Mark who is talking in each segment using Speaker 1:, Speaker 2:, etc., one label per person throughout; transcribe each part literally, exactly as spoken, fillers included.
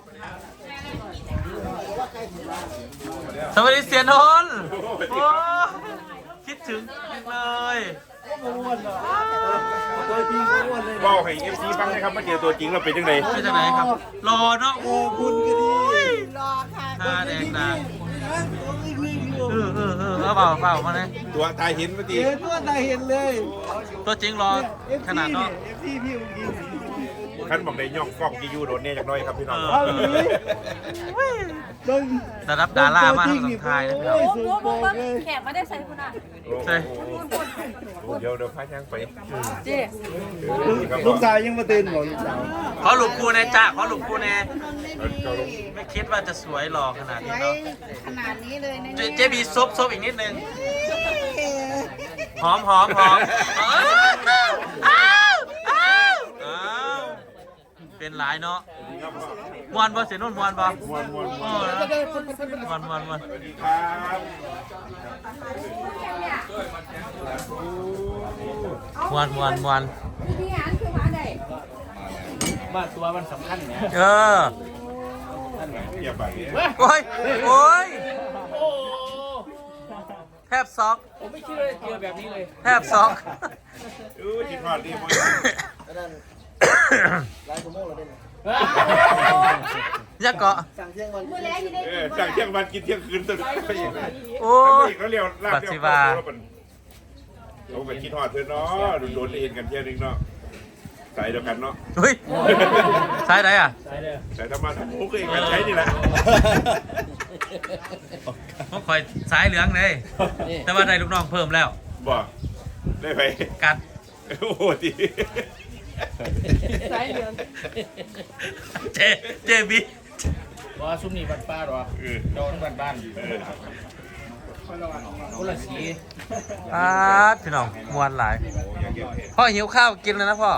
Speaker 1: สวัสดีเสียนนท์โอ้คิดถึงเลย
Speaker 2: ตัวจริงอ้วนเลยบอกให้เอฟซีฟังนะครับมาเจอตัวจริงเราเป็นยังไง
Speaker 1: เป็นยังไงครับรอเนาะ
Speaker 2: โอ้คุณก็ดีรอค่ะ
Speaker 1: ตาแดงตาเออเออเออเปล่าเปล่ามาเลย
Speaker 2: ตัวตายเห็นเมื่อกี้
Speaker 3: ตัวตายเห็นเลย
Speaker 1: ตัวจริงรอขนาดเนาะ
Speaker 3: เอฟซีพี่อุ้งอิง
Speaker 2: ขั้นบอกได้ย่องกล้องที่ยูโดนเนี่ยจากน้อยครับพี่น้อง
Speaker 1: ระดับดารามาทั้งสองทายนะพี่น้อง
Speaker 4: โอ้โหแขกมาได้ใส่คุณอ่ะ
Speaker 1: ใช่
Speaker 2: เดี๋ยวเดี๋ยวพาช่างไป
Speaker 4: เจ๊
Speaker 3: ลูกชายยังมาตื่นหมดลูกสาว
Speaker 1: ขอหลุมคูแน่จ้าขอหลุมคูแน่ไม่คิดว่าจะสวยหล่อขนาดนี้เนาะ
Speaker 4: ขนาดนี้เลยนะ
Speaker 1: เจบีซบซบอีกนิดนึงหอมหอมหอมอ้าวอ้าวอ้าวเป็นหลายเนาะมวนบ่เสียนุ่นมวนบ่มวนมวนมวนมวนมวนมวนมวนมวน
Speaker 4: ที่งานคือมาไหน
Speaker 3: บ้านตัวมันสำคัญเนี่ย
Speaker 1: เออ
Speaker 2: อย่าไป
Speaker 1: โอ้ยโอ้ยแทบซอก
Speaker 3: ผมไม่คิดว่าจะเจอแบบนี้เลย
Speaker 1: แทบซอก
Speaker 2: อู้จิตพอดดีมั้ย
Speaker 3: ไล่ขโมยเราได้ไหม
Speaker 1: ยักเกาะ
Speaker 3: สั่งเที่ยงวัน
Speaker 2: เออสั่งเที่ยงวันกินเที่ยงคืนตื่น
Speaker 1: โอ้ย
Speaker 2: เขาเรียกลาบเที่ยงคืนเขาไปคิดทอดเพื่อนเนาะโดนเอ็นกันเที่ยงนึงเนาะใส่เดียวกันเนาะ
Speaker 1: เฮ้ยใช่ไหนอ่ะ
Speaker 2: ใส่ธรรมะธรรมโอเคกันใช้นี่แหละ
Speaker 1: เขาคอยสายเหลืองเลยแต่ว่าได้ลูกน้องเพิ่มแล้ว
Speaker 2: บ่ได้ไป
Speaker 1: กัด
Speaker 2: โอ้โหดี
Speaker 4: สายเหลือง
Speaker 1: เจเจบี
Speaker 3: ว่าซุ้มนี่บ้านป้าหรอโดนบ้านบ้านคนละสี
Speaker 1: อ่าพี่น้องมวนหลายพ่อหิวข้าวกินเลยนะพ่อ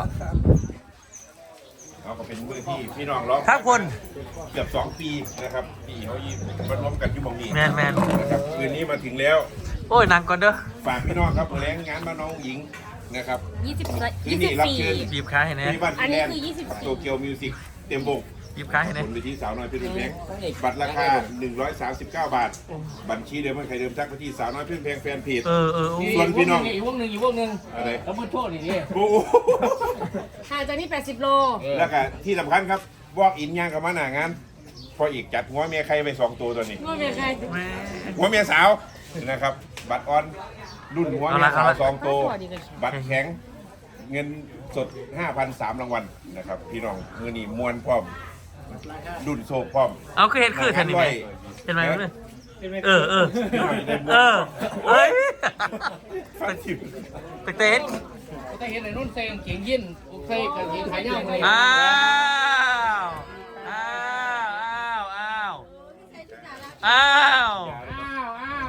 Speaker 2: เราก็เป็นมือที่พี่น้องร้อง
Speaker 1: ทักคน
Speaker 2: เกือบสองปีนะครับพี่เขายิ้มมันร่วมกันที่มองนี่
Speaker 1: แมนแมน
Speaker 2: นะครับคืนนี้มาถึงแล้ว
Speaker 1: โอ้ยนั่งก่อนเด้อ
Speaker 2: ฝากพี่น้องครับแรงงานมาน้องหญิงนะครับ
Speaker 4: ยี่สิบ
Speaker 2: ยี่สิบสี่
Speaker 1: บีบค้าให้แน่
Speaker 2: อันนี้คือยี่สิบโตเกียวมิวสิกเต็มบก
Speaker 1: บีบค้าให้แน่
Speaker 2: บนเวทีสาวน้อยเพื่อนแพงบัตรราคาหนึ่งร้อยสามสิบเก้าบาทบัญชีเดิมมันใครเดิมทักไปที่สาวน้อยเพื่อนแพงแฟนเพจ
Speaker 1: เออเออ
Speaker 2: ส่วนพี่น้อง
Speaker 3: อีกวงหนึ่งอีกวงหนึ่ง
Speaker 2: อะไร
Speaker 3: แล้วมือโทษอีกนี่
Speaker 2: โอ้
Speaker 4: ห่างจากนี่แปดสิบโล
Speaker 2: แล้วก็ที่สำคัญครับบอกอินย่างกับมาหนางานพออีกจัดหัวเมียใครไปสองตัวตัวนี้
Speaker 4: หัวเมียใคร
Speaker 2: หัวเมียสาวนะครับบัตรออนรุ่นหัวเมียสาวสองตัวบัตรแข็งเงินสด ห้าพันสามร้อย รางวัลนะครับพี่น้องมือนี่มวนพร้อมดุนโซพร้อม
Speaker 1: เอาคือเห็นคือทันนี่ไหมเห็นไหมเนี่ยเออเออเออเฮ้ยไปเต้น
Speaker 3: ไปเห็นไอ้นุ่นเซงเก่งยินใส่กางเกงขายาวเลย
Speaker 1: อ้าวอ้าวอ้าวอ้าวอ้าว
Speaker 3: อ้าว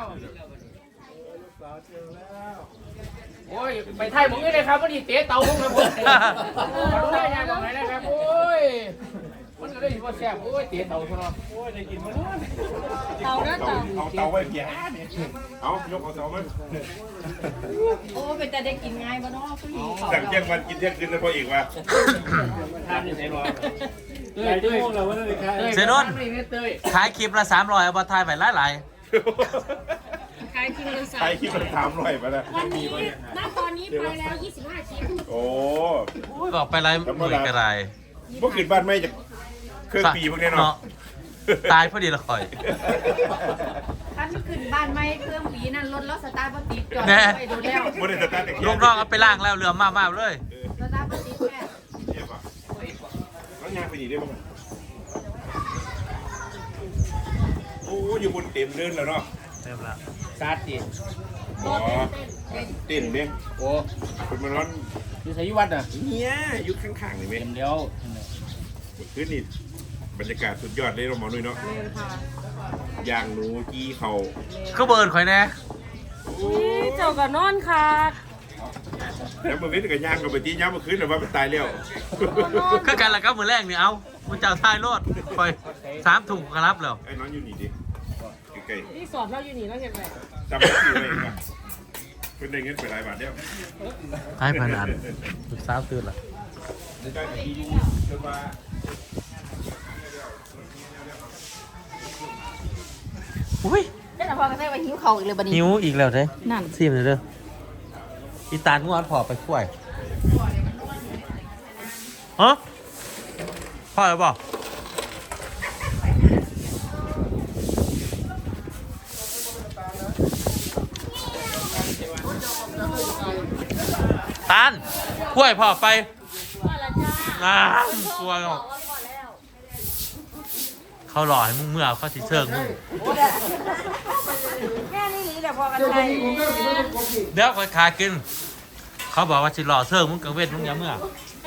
Speaker 3: โอ้ยไปไทยผมนี่เลยครับวันนี้เตะเตาลงเลยผมมาดูได้ยังตรงไหนนะครับโอ้ยมันก็ได้ยินว่าแซ่บโอ้ยเตะเตาซะเนาะโอ้ยได้กินมัน
Speaker 4: เตาเนาะเตา
Speaker 2: เอาเตาไว้แก่เนี่ยเอายกเอาเตามัน
Speaker 4: โอ้เป็นแต่ได้กินง่ายบ่เนาะผู้หญิง
Speaker 2: สั่งเที่ยงวันกินเที่ยงคืนแล้วพออีกว่า
Speaker 3: ทานอยู่ไหนรอเต้ยเต้ยเราว่าอะไรครับ
Speaker 1: เซนนขายคลิปละสามร้อยเอาไปถ่ายไปหลาย
Speaker 4: ๆขายคลิปละสาม
Speaker 2: ขายคลิปละสามร้อยไปแล้ว
Speaker 4: วันนี้ณตอนนี้ไปแล้วยี่สิบห้าคลิป
Speaker 2: โอ้
Speaker 1: บอกไปไรหมื่นกระไร
Speaker 2: พวกขึ้นบ้านไม่จากเครื่องปีพวกนี้เนาะ
Speaker 1: ตายพอดีละคอย
Speaker 4: ท่านขึ้นบ้านไม่เครื่องปีนั่นรถแล้วสตาร์ทปติดจอดไปดูแล้ว
Speaker 1: ลูกน้องเอาไปล่างแล้วเรือมากมากเลย
Speaker 4: สตาร์ทปติดแม่
Speaker 2: เยี่ยมอ่ะแล้วยางไปดีได้บ้างโอ้อยู่บนเต็มเดินแล้วเนาะ
Speaker 1: เต็มแล้ว
Speaker 3: ซาติ
Speaker 2: อ๋อเต้นเนี่ย
Speaker 3: โอ้
Speaker 2: เป็นมันร้อน
Speaker 3: อยู่ไสยวัดอ่ะ
Speaker 2: เนี่ยอยู่ข้างๆนี่ไหม
Speaker 3: เต็มแล้ว
Speaker 2: คืนนี่บรรยากาศสุดยอดเลยเราหมอนุ้ยเนาะย่างหนูกี้เขา
Speaker 1: ก็เบิร์นข่อยแน่
Speaker 4: เจ้ากับนอนค่ะ
Speaker 2: แล้วมาเว้นกับย่างกับไปที่ย้ำมาคืนแต่ว่ามันตายแล้ว
Speaker 1: ก็กันละก็มือแรกนี่เอามันเจ้าทายรถคอยสามถุงกระลับแล้ว
Speaker 2: ไอ้น้องอยู่นี่ดิไกล
Speaker 4: ๆนี่สอบเราอยู่นี่แล้วเห็นไหม
Speaker 2: จำไม่ได้เลยครับเพิ่นได้เงินไปหลายบาทแล้ว
Speaker 1: ให้พนันลูกสาวตื่นละอุ้ย
Speaker 4: เจ้าหน้าพ่อก็ได้ไปหิวเขาอีกเลยบัดนี้
Speaker 1: หิวอีกแล้วเด้
Speaker 4: นั่น
Speaker 1: ซีมเลยเด้ออีตาลงอนพอไปช่วยฮะพ่อหรือเปล่าตาลช่วยพ่อไปน้ำกลัวหรอกเขาหล่อให้มึงเมื่อเขาสิเชิงมึง
Speaker 4: แค่นี้นี่แหละพอกันไป
Speaker 1: เดี๋ยวคอยขากิน เขาบอกว่าสิหล่อเชิงมึงกังเวทมึงอย้ำเมื่อ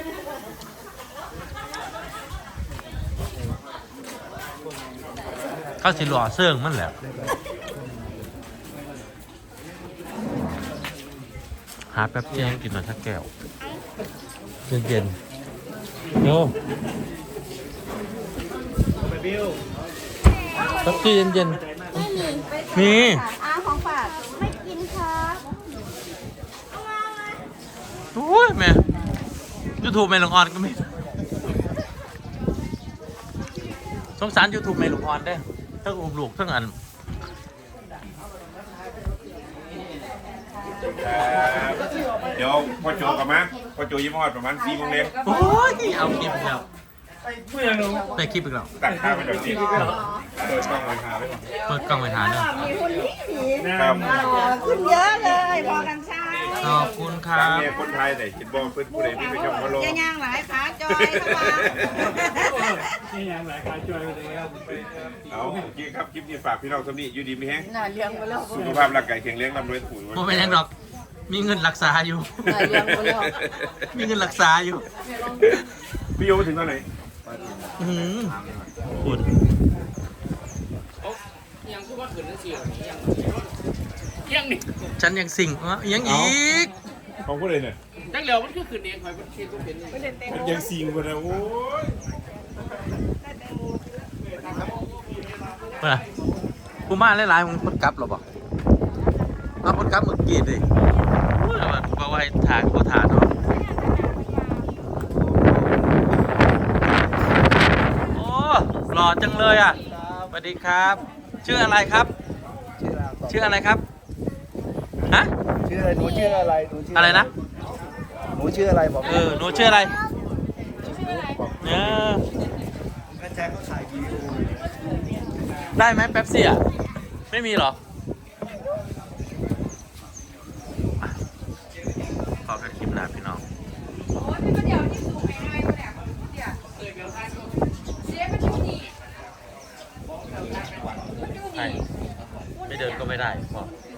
Speaker 1: เขาสิหล่อเชิงมันแหละหาแป๊บเดียวกินมาสักแก้วเย็นๆโย่แป๊บเดียวเย็นๆมี
Speaker 4: อาของฝากไม่กินครับ
Speaker 1: โอ้ยแม่ยูทูบแม่ลุงออนก็มีสงสารยูทูบแม่ลุงออนได้ทั้งอุ้มลูกทั้งอัน
Speaker 2: เดี๋ยวพ่อโจกลับมาพ่อโจยิ้มฮอดประมาณสี่โมงเย็น
Speaker 1: โอ้ยเอาคลิปอีกแล้วไปคลิปอีกแล้ว
Speaker 2: ตัดข้าวไปแบบนี้เปิดกล้องไว้ทาไว้ก่อน
Speaker 1: เปิดกล้องไปทานเนอะ
Speaker 4: มีคนที่ผี
Speaker 2: ครับ
Speaker 4: ขึ้นเยอะเลยพอกันใช่
Speaker 1: ขอบคุณค
Speaker 2: ทา
Speaker 1: รั
Speaker 2: ง
Speaker 1: บ
Speaker 2: เมียคนไทยแต่คิดบอกเพื่อนผู้ใดที่ไปชมพะโล้
Speaker 4: จะย่างหลายขาจอยเข้ามา
Speaker 2: เอาโอเคครับคลิปนี้ฝากพี่น้องสำนีอยู่ดีมีแห้ง
Speaker 4: น่าเลี้ยงไปแล้ว
Speaker 2: สุขภาพร่างกายแข็งแรงร่ำรวยถูก
Speaker 1: โมเป็นยังดอก มีเงินรักษาอยู่
Speaker 4: น่าเลี้ยงไปแล้ว
Speaker 1: มีเงินรักษาอยู่
Speaker 2: พี่โยมาถึงตอนไหน
Speaker 1: อื้อหือคุณ
Speaker 3: ยังคือว่าขืนนั่นสิยังยังนี่
Speaker 1: ฉันยังสิ่งอ่ะยังอีก
Speaker 2: ของผู้ใดเนี่ย
Speaker 3: จังเหลียวมันคือขืนเองคอยมันคือเป็นไม่เล่นเต็ม
Speaker 2: มันยังซิงกันนะโอ้ย
Speaker 1: เมื่อกูมาหลายๆมึงพดกลับหรอบอกเอาพดกลับมึงกรีดดิโอ้ยแบบบอกว่าให้ถ่ายก็ถ่ายเนาะโอ้หล่อจังเลยอ่ะสวัสดีครับ ชื่ออะไรครับ ชื่ออะไรครับฮะ
Speaker 5: ชื่ออะไรหนูชื่ออะไรหนูชื่อ
Speaker 1: อะไรนะ
Speaker 5: หนูชื่ออะไรบอก
Speaker 1: เออหนูชื่ออะไรเออ
Speaker 5: แม่แจ็คเขาถ่ายวีดีโอ
Speaker 1: ได้ไหมแป๊บซี่อ่ะไม่มีเหรออ่ะขอกันคลิปหน้าพี่น้อง
Speaker 4: โอ้ยพี่ก็เดี๋ยวที่สูงไอ้น้อยเนี่ยเดี๋ยวเสียมันอยู่นี่มันอยู่
Speaker 1: ใช่
Speaker 4: นี่
Speaker 1: ไม่เดินก็ไม่ได้พอ
Speaker 4: เ